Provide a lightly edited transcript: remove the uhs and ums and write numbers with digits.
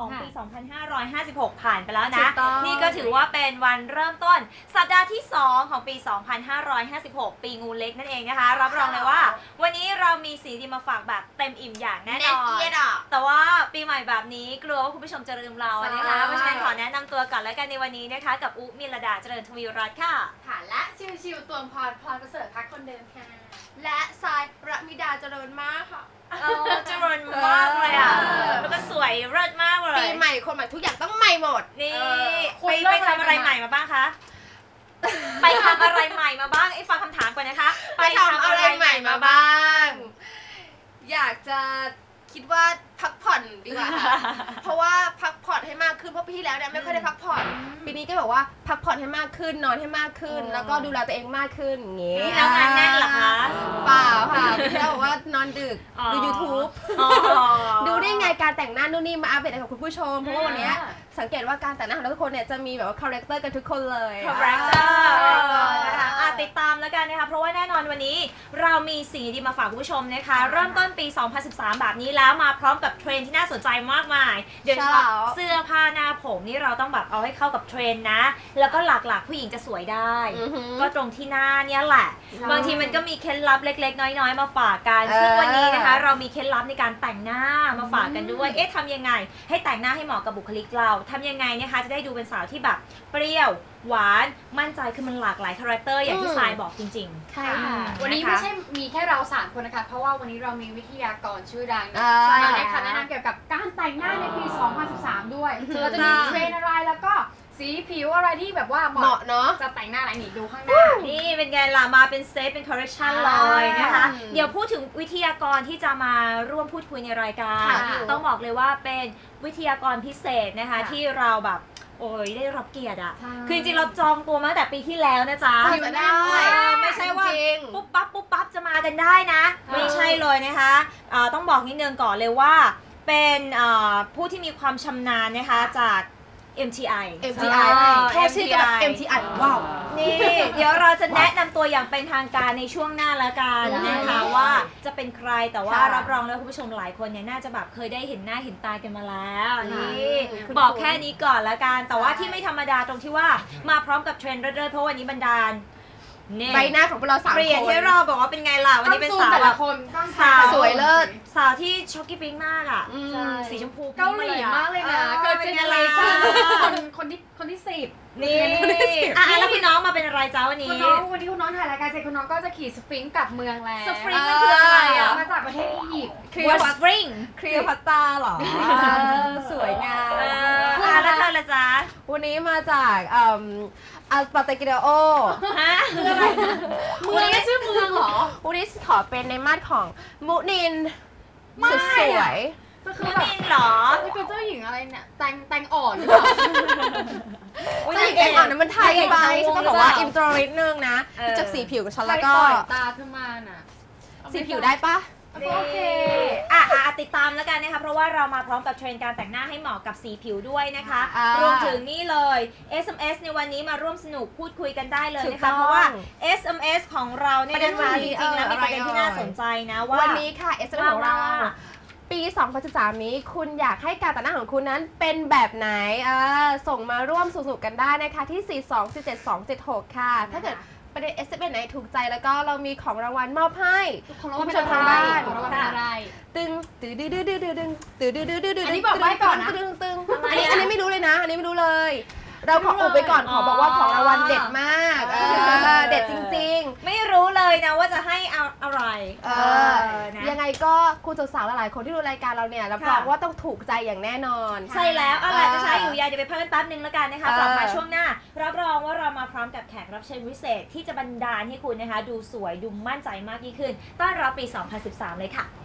ของปี 2556 ผ่านไปแล้วนะ นี่ก็ถือว่าเป็นวันเริ่มต้นสัปดาห์ที่ 2 ของปี 2556 ปีงูเล็กนั่นเองนะคะ รับรองเลยว่าวันนี้เรามีสีดีมาฝากแบบเต็มอิ่มอย่างแน่นอนแต่ว่าปีใหม่แบบนี้กลัวว่าคุณผู้ชมจะลืมเรานะคะเพราะฉะนั้นขอแนะนำตัวก่อนแล้วกันในวันนี้นะคะกับอุ๊มิลดาเจริญทวีรัตน์ค่ะค่ะและชิวๆตวงพรประเสริฐพักคนเดิมค่ะและทรายระมิดาเจริญมากค่ะเจริญมากเลยอ่ะแล้วก็สวยเลิศมากเลยปีใหม่คนใหม่ทุกอย่างต้องใหม่หมดนี่ไปทำอะไรใหม่มาบ้างคะไปทำอะไรใหม่มาบ้างไอ้ฟังคำถามก่อนนะคะไปทำอะไรใหม่มาบ้างอยากจะคิดว่าพักผ่อนดีกว่าค่ะเพราะว่าพักผ่อนให้มากขึ้นเพราะปีที่แล้วเนี่ยไม่ค่อยได้พักผ่อนปีนี้ก็แบบว่าพักผ่อนให้มากขึ้นนอนให้มากขึ้นแล้วก็ดูแลตัวเองมากขึ้นอย่างงี้แล้วงานแน่นหรอคะเปล่าค่ะปีที่แล้วบอกว่านอนดึกดู YouTube ดูได้ไงการแต่งหน้านู่นนี่มาอัปเดตกับคุณผู้ชมเพราะว่าวันนี้สังเกตว่าการแต่งหน้าของทุกคนเนี่ยจะมีแบบว่าคาแรคเตอร์กันทุกคนเลยคาแรคเตอร์นะคะติดตามแล้วกันนะคะเพราะว่าแน่นอนวันนี้เรามีสีดีมาฝากคุณผู้ชมนะคะเริ่มต้นปี 2013 แบบนี้แล้วมาพร้อมกับเทรนด์ที่น่าสนใจมากมายโดยเฉพาะเสื้อผ้าหน้าผมนี่เราต้องแบบเอาให้เข้ากับเทรนด์นะแล้วก็หลักๆผู้หญิงจะสวยได้ก็ตรงที่หน้าเนี่ยแหละบางทีมันก็มีเคล็ดลับเล็กๆน้อยๆมาฝากกันซึ่งวันนี้นะคะเรามีเคล็ดลับในการแต่งหน้ามาฝากกันด้วยทำยังไงให้แต่งหน้าให้เหมาะกับบุคลิกเราทำยังไงนะคะจะได้ดูเป็นสาวที่แบบเปรี้ยวหวานมั่นใจคือมันหลากหลายคาแรคเตอร์อย่างที่ทรายบอกจริงๆใช่ค่ะวันนี้ไม่ใช่มีแค่เรา3คนนะคะเพราะว่าวันนี้เรามีวิทยากรชื่อดังมาในคณะแนะนำเกี่ยวกับการแต่งหน้าในปี 2013 ด้วยเราจะมีเทรนอะไรแล้วก็สีผิวอะไรที่แบบว่าเหมาะเนาะจะแต่งหน้าอะไรนี่ดูข้างหน้านี่เป็นไงล่ะมาเป็นเซตเป็นคอร์เรคชันเลยนะคะเดี๋ยวพูดถึงวิทยากรที่จะมาร่วมพูดคุยในรายการต้องบอกเลยว่าเป็นวิทยากรพิเศษนะคะที่เราแบบโอ้ยได้รับเกียรติอะคือจริงๆเราจองตัวมาตั้งแต่ปีที่แล้วนะจ๊ะไม่ใช่ว่าปุ๊บปั๊บจะมากันได้นะไม่ใช่เลยนะคะต้องบอกนิดนึงก่อนเลยว่าเป็นผู้ที่มีความชำนาญนะคะจาก MTI แค่ชื่อก็แบบ MTI ว้าวนี่เดี๋ยวเราจะแนะนำตัวอย่างเป็นทางการในช่วงหน้าละกันนะคะว่าจะเป็นใครแต่ว่ารับรองแล้วคุณผู้ชมหลายคนเนี่ยน่าจะแบบเคยได้เห็นหน้าเห็นตากันมาแล้วนี่บอกแค่นี้ก่อนละกันแต่ว่าที่ไม่ธรรมดาตรงที่ว่ามาพร้อมกับเทรนด์เรื่อยๆเพราะวันนี้บรรดาใบหน้าของพวกเรา3 คนเปลี่ยนให้เราบอกว่าเป็นไงล่ะวันนี้เป็นสาวแต่ละคนสาวสวยเลิศสาวที่ช็อกกี้ปิ๊งมากอ่ะสีชมพูเกาหลีมากเลยนะเกิดเจเนอเรชั่นคนที่10 นี่แล้วคุณน้องมาเป็นอะไรจ้าวันนี้คุณน้องวันนี้คุณน้องถ่ายรายการเสร็จคุณน้องก็จะขี่สฟิงค์กลับเมืองแล้วสฟิงค์คืออะไรอ่ะมาจากประเทศอียิปต์ว่าสฟิงค์คลีโอพัตตราหรอสวยงามแล้วเธอละจ๊ะวันนี้มาจากอัลปาเตกิเดโอคืออะไรเมืองไม่ชื่อเมืองหรอวันนี้ขอเป็นในมาดของมุนินสุดสวยมุนินหรอนี่คือเจ้าหญิงอะไรเนี่ยแตงอ่อนหรือเปล่าเจ้าหญิงแตงอ่อนนั้นมันไทยไปฉันต้องบอกว่าอินโทรนิดนึงนะจากสีผิวกับฉันแล้วก็ตาขึ้นมาน่ะสีผิวได้ปะโอเคติดตามแล้วกันนะคะเพราะว่าเรามาพร้อมกับเทรนด์การแต่งหน้าให้เหมาะกับสีผิวด้วยนะคะรวมถึงนี่เลย SMS ในวันนี้มาร่วมสนุกพูดคุยกันได้เลยนะคะเพราะว่า SMS ของเราเนี่ยนะคะจริงๆแล้วมีประเด็นที่น่าสนใจนะว่าวันนี้ค่ะ SMS ของเราปี 2013 นี้คุณอยากให้การแต่งหน้าของคุณนั้นเป็นแบบไหนส่งมาร่วมสนุกกันได้นะคะที่ 4217276 ค่ะถ้าเกิดประเด็น SMS ไหนถูกใจแล้วก็เรามีของรางวัลมอบให้คุณผู้ชมทางบ้านของรางวัลอะไรตึงอันนี้บอกไว้ก่อนนะตึงอันนี้ไม่รู้เลยนะอันนี้ไม่รู้เลยเราขออุบไปก่อนขอบอกว่าของรางวัลเด็ดมากเด็ดจริงๆไม่รู้เลยนะว่าจะให้อะไรยังไงก็คุณสาวๆหลายๆคนที่ดูรายการเราเนี่ยรับรองว่าต้องถูกใจอย่างแน่นอนใช่แล้วอะไรจะใช้อยู่ยาเดี๋ยวไปเพิ่มแป๊บนึงแล้วกันนะคะกลับมาช่วงหน้ารับรองว่าเรามาพร้อมกับแขกรับเชิญพิเศษที่จะบันดาลให้คุณนะคะดูสวยดูมั่นใจมากยิ่งขึ้นต้อนรับปี 2013 เลยค่ะ